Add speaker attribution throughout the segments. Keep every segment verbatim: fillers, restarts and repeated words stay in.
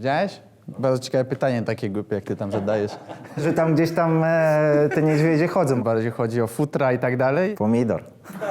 Speaker 1: Widziałeś? Bardzo ciekawe pytanie takie głupie, jak ty tam zadajesz.
Speaker 2: Że tam gdzieś tam e, te niedźwiedzie chodzą.
Speaker 1: Bardziej chodzi o futra i tak dalej.
Speaker 2: Pomidor.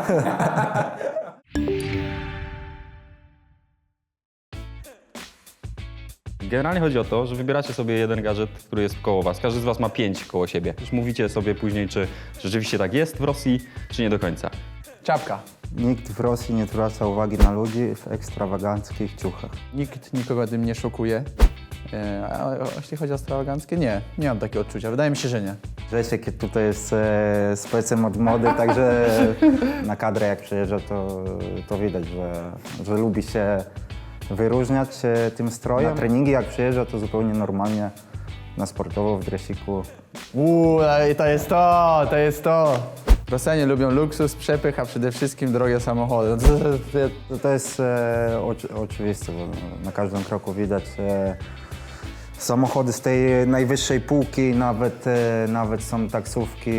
Speaker 3: Generalnie chodzi o to, że wybieracie sobie jeden gadżet, który jest koło was. Każdy z was ma pięć koło siebie. Już mówicie sobie później, czy rzeczywiście tak jest w Rosji, czy nie do końca.
Speaker 1: Czapka.
Speaker 2: Nikt w Rosji nie zwraca uwagi na ludzi w ekstrawaganckich ciuchach.
Speaker 1: Nikt nikogo tym nie szokuje. E, A jeśli chodzi o ekstrawaganckie, nie. Nie mam takiego odczucia. Wydaje mi się, że nie.
Speaker 2: Grzesiek tutaj jest e, specem od mody, także na kadrę jak przyjeżdża, to, to widać, że, że lubi się wyróżniać e, tym strojem. Na treningi jak przyjeżdża, to zupełnie normalnie na sportowo w dresiku.
Speaker 1: Uuu, i to jest to, to jest to. Rosjanie lubią luksus, przepych, a przede wszystkim drogie samochody.
Speaker 2: To, to jest e, oczy, oczywiste, bo na każdym kroku widać e, samochody z tej najwyższej półki, nawet, e, nawet są taksówki,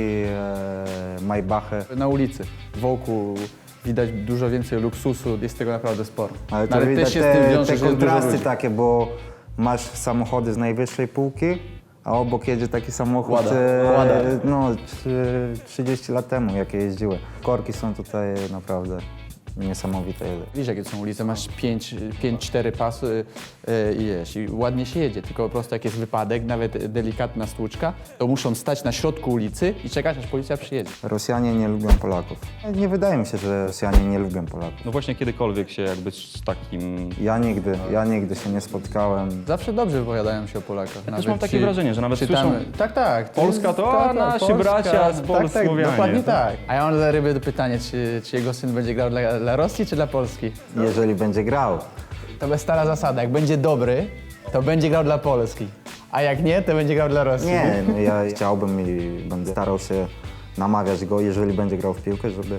Speaker 2: e, Maybachy.
Speaker 1: Na ulicy, wokół widać dużo więcej luksusu, jest tego naprawdę sporo.
Speaker 2: Ale to
Speaker 1: No,
Speaker 2: widać
Speaker 1: też się z tym
Speaker 2: te,
Speaker 1: wiąże,
Speaker 2: te
Speaker 1: że jest dużo
Speaker 2: kontrasty
Speaker 1: ludzi.
Speaker 2: takie, bo masz samochody z najwyższej półki, a obok jedzie taki samochód
Speaker 1: Łada,
Speaker 2: e,
Speaker 1: Łada.
Speaker 2: no, trzy- trzydzieści lat temu, jakie jeździły. Korki są tutaj naprawdę niesamowite.
Speaker 1: Widzisz, jakie to są ulice, masz pięć, cztery pasy yy, i wiesz, i ładnie się jedzie, tylko po prostu jak jest wypadek, nawet delikatna stłuczka, to muszą stać na środku ulicy i czekać, aż policja przyjedzie.
Speaker 2: Rosjanie nie lubią Polaków. Nie wydaje mi się, że Rosjanie nie lubią Polaków.
Speaker 3: No właśnie kiedykolwiek się jakby z takim...
Speaker 2: Ja nigdy, ja nigdy się nie spotkałem.
Speaker 1: Zawsze dobrze wypowiadają się o Polakach.
Speaker 3: Ja też mam takie wrażenie, że nawet
Speaker 1: czytamy.
Speaker 3: słyszą-
Speaker 1: Tak, tak.
Speaker 3: Polska to, a nasi bracia z
Speaker 1: Tak, tak,
Speaker 3: Polsłowianie.
Speaker 1: dokładnie tak. A ja mam dla Ryby pytanie, czy, czy jego syn będzie grał dla, dla Rosji, czy dla Polski?
Speaker 2: Jeżeli będzie grał,
Speaker 1: To jest stara zasada, jak będzie dobry, to będzie grał dla Polski. A jak nie, to będzie grał dla Rosji.
Speaker 2: nie, no ja chciałbym i będę starał się namawiać go, jeżeli będzie grał w piłkę, żeby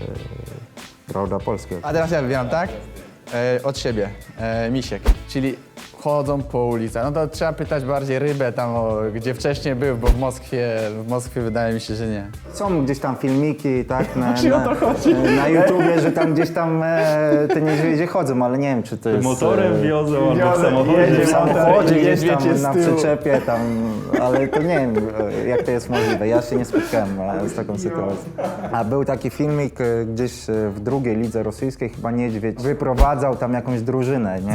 Speaker 2: grał dla Polski.
Speaker 1: A teraz ja wybieram, tak? E, od siebie, e, Misiek, czyli chodzą po ulicach. No to trzeba pytać bardziej Rybę tam, o, gdzie wcześniej był, bo w Moskwie, w Moskwie wydaje mi się, że nie.
Speaker 2: Są gdzieś tam filmiki, tak, na,
Speaker 1: Czy o to
Speaker 2: na,
Speaker 1: chodzi?
Speaker 2: na YouTubie, że tam gdzieś tam e, te niedźwiedzie chodzą, ale nie wiem, czy to jest...
Speaker 3: Motorem
Speaker 2: e,
Speaker 3: wiozą albo w
Speaker 1: Wiozą,
Speaker 3: samochodzie.
Speaker 1: jedzie
Speaker 2: w samochodzie gdzieś
Speaker 1: Niedźwiedź
Speaker 2: tam
Speaker 1: jest
Speaker 2: na
Speaker 1: z tyłu.
Speaker 2: przyczepie tam, ale to nie wiem, e, jak to jest możliwe. Ja się nie spotkałem e, z taką sytuacją. A był taki filmik e, gdzieś e, w drugiej lidze rosyjskiej, chyba niedźwiedź wyprowadzał tam jakąś drużynę, nie?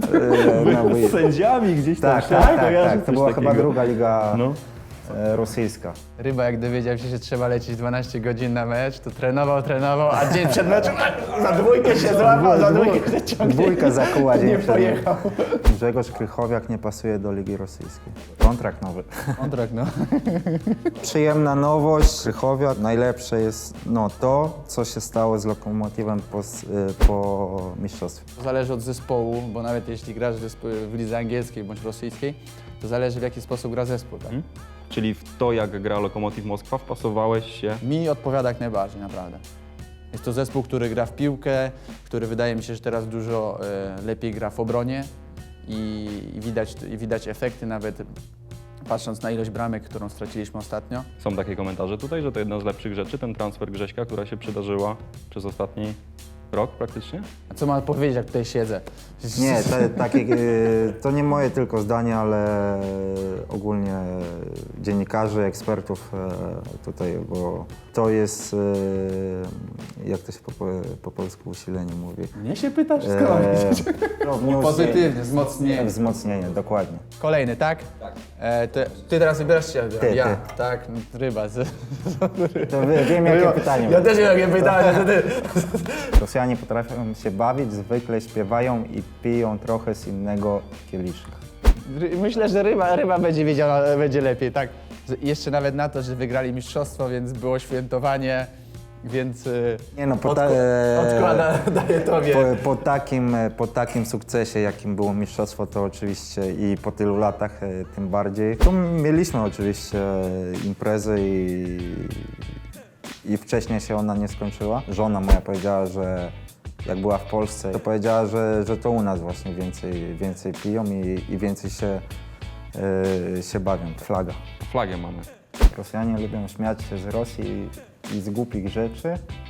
Speaker 2: E, no,
Speaker 3: Z sędziami gdzieś tam.
Speaker 2: tak, tak, tak,
Speaker 3: kojarzę
Speaker 2: tak. To
Speaker 3: coś
Speaker 2: była chyba
Speaker 3: takiego.
Speaker 2: druga liga
Speaker 3: No.
Speaker 2: e, rosyjska.
Speaker 1: Ryba, jak dowiedział się, że trzeba lecieć dwanaście godzin na mecz, to trenował, trenował, a dzień przed meczem za dwójkę się złapał, za dwójkę się ciągnie.
Speaker 2: Dwójka zakuła dzień
Speaker 1: Nie
Speaker 2: przed.
Speaker 1: pojechał.
Speaker 2: Grzegorz Krychowiak nie pasuje do Ligi Rosyjskiej. Kontrakt nowy.
Speaker 1: Kontrakt, no.
Speaker 2: Przyjemna nowość. Krychowiak. Najlepsze jest no, to, co się stało z Lokomotywem po, s- y, po mistrzostwie.
Speaker 1: To zależy od zespołu, bo nawet jeśli grasz w, zespo- w lidze angielskiej bądź rosyjskiej, to zależy w jaki sposób gra zespół. Tak?
Speaker 3: Czyli w to, jak gra Lokomotiv Moskwa, wpasowałeś się.
Speaker 1: Mi odpowiada jak najbardziej, naprawdę. Jest to zespół, który gra w piłkę, który wydaje mi się, że teraz dużo e, lepiej gra w obronie i, i, widać, i widać efekty nawet patrząc na ilość bramek, którą straciliśmy ostatnio.
Speaker 3: Są takie komentarze tutaj, że to jedna z lepszych rzeczy, ten transfer Grześka, która się przydarzyła przez ostatni rok praktycznie.
Speaker 1: A co mam powiedzieć, jak tutaj siedzę?
Speaker 2: Nie, te, takie, y, to nie moje tylko zdanie, ale ogólnie dziennikarzy, ekspertów e, tutaj, bo to jest, e, jak to się po, po polsku usilenie mówi.
Speaker 1: Mnie się pytasz, skąd mam wiedzieć?
Speaker 2: no, wniósł-
Speaker 1: Pozytywnie, wzmocnienie.
Speaker 2: Wzmocnienie, dokładnie.
Speaker 1: Kolejny, tak? Tak. E, ty, ty teraz wybierasz się,
Speaker 2: Ty,
Speaker 1: ja,
Speaker 2: ty.
Speaker 1: tak? Ryba. Z...
Speaker 2: To wie- wiem, jakie pytanie.
Speaker 1: Ja też wiem, jakie pytanie, to ty.
Speaker 2: Rosjanie potrafią się bawić, zwykle śpiewają i piją trochę z innego kieliszka.
Speaker 1: Ry- Myślę, że ryba, ryba będzie wiedziała, będzie lepiej, tak? Z- Jeszcze nawet na to, że wygrali mistrzostwo, więc było świętowanie, więc y,
Speaker 2: Nie no, po, ta,
Speaker 1: odkł-
Speaker 2: e,
Speaker 1: odkłada, daję tobie.
Speaker 2: po, po, takim, po takim sukcesie, jakim było mistrzostwo, to oczywiście i po tylu latach e, tym bardziej. Tu mieliśmy oczywiście imprezę i, i wcześniej się ona nie skończyła. Żona moja powiedziała, że jak była w Polsce, to powiedziała, że, że to u nas właśnie więcej, więcej piją i, i więcej się, e, się bawią. Flaga.
Speaker 3: Flagę mamy.
Speaker 2: Rosjanie lubią śmiać się z Rosji i z głupich rzeczy,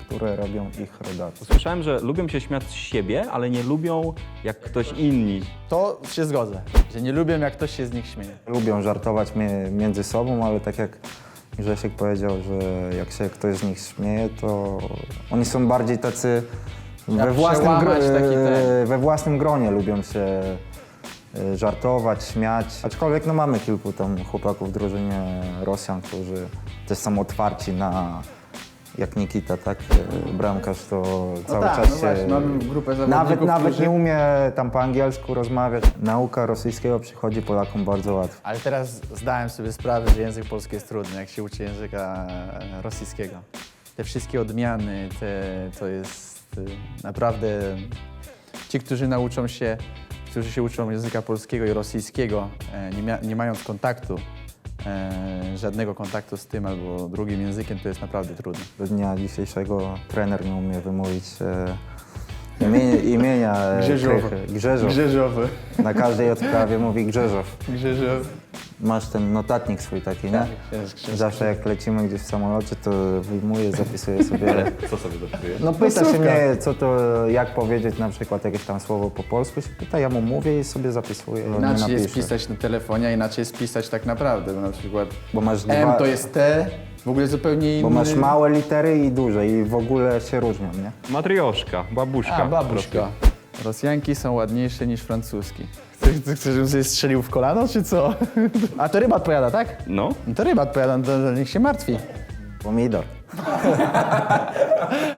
Speaker 2: które robią ich rodacy.
Speaker 3: Słyszałem, że lubią się śmiać z siebie, ale nie lubią jak ktoś inni.
Speaker 1: To się zgodzę, że nie lubię, jak ktoś się z nich śmieje.
Speaker 2: Lubią żartować mie- między sobą, ale tak jak Grzesiek powiedział, że jak się ktoś z nich śmieje, to oni są bardziej tacy we
Speaker 1: Jak
Speaker 2: własnym, gro-
Speaker 1: przełamać taki ten.
Speaker 2: we własnym gronie lubią się e, żartować, śmiać. Aczkolwiek no, mamy kilku tam chłopaków w drużynie Rosjan, którzy też są otwarci na, jak Nikita, tak, e, bramkarz, to cały
Speaker 1: tak,
Speaker 2: czas
Speaker 1: no
Speaker 2: się...
Speaker 1: właśnie, mamy grupę zawodników,
Speaker 2: Nawet, nawet
Speaker 1: którzy-
Speaker 2: nie umie tam po angielsku rozmawiać. Nauka rosyjskiego przychodzi Polakom bardzo łatwo.
Speaker 1: Ale teraz zdałem sobie sprawę, że język polski jest trudny, jak się uczy języka e, rosyjskiego. Te wszystkie odmiany, te, to jest e, naprawdę... Ci, którzy nauczą się, którzy się uczą języka polskiego i rosyjskiego, e, nie, mia- nie mając kontaktu, e, żadnego kontaktu z tym albo drugim językiem, to jest naprawdę trudne.
Speaker 2: Do dnia dzisiejszego trener nie umie wymówić e, imienia, imienia e,
Speaker 1: Grzegorz.
Speaker 2: Krychy. Grzegorz.
Speaker 1: Grzeżowy.
Speaker 3: Tak.
Speaker 2: Na każdej odprawie mówi Grzegorz.
Speaker 1: Grzeżowy.
Speaker 2: Masz ten notatnik swój taki, nie?
Speaker 1: Tak, jest Grzegorz.
Speaker 2: Zawsze jak lecimy gdzieś w samolocie, to wyjmuję, zapisuję sobie.
Speaker 3: Co sobie dopisujesz?
Speaker 2: No pyta się
Speaker 1: słówka.
Speaker 2: mnie, co to, jak powiedzieć na przykład jakieś tam słowo po polsku, się pyta, ja mu mówię i sobie zapisuję. on nie
Speaker 1: Inaczej jest
Speaker 2: napisze.
Speaker 1: pisać na telefonie, a inaczej jest pisać tak naprawdę, bo na przykład
Speaker 2: Bo masz
Speaker 1: M
Speaker 2: dwa-
Speaker 1: to jest T, w ogóle zupełnie inny...
Speaker 2: Bo masz małe litery i duże i w ogóle się różnią, nie?
Speaker 3: Matrioszka, babuszka.
Speaker 1: A, babuszka. Rosjanki są ładniejsze niż francuski. Chcesz, chcesz, żebym sobie strzelił w kolano, czy co? A to ryba odpowiada, tak?
Speaker 3: No,
Speaker 1: No to ryba odpowiada, no to, to niech się martwi.
Speaker 2: Pomidor.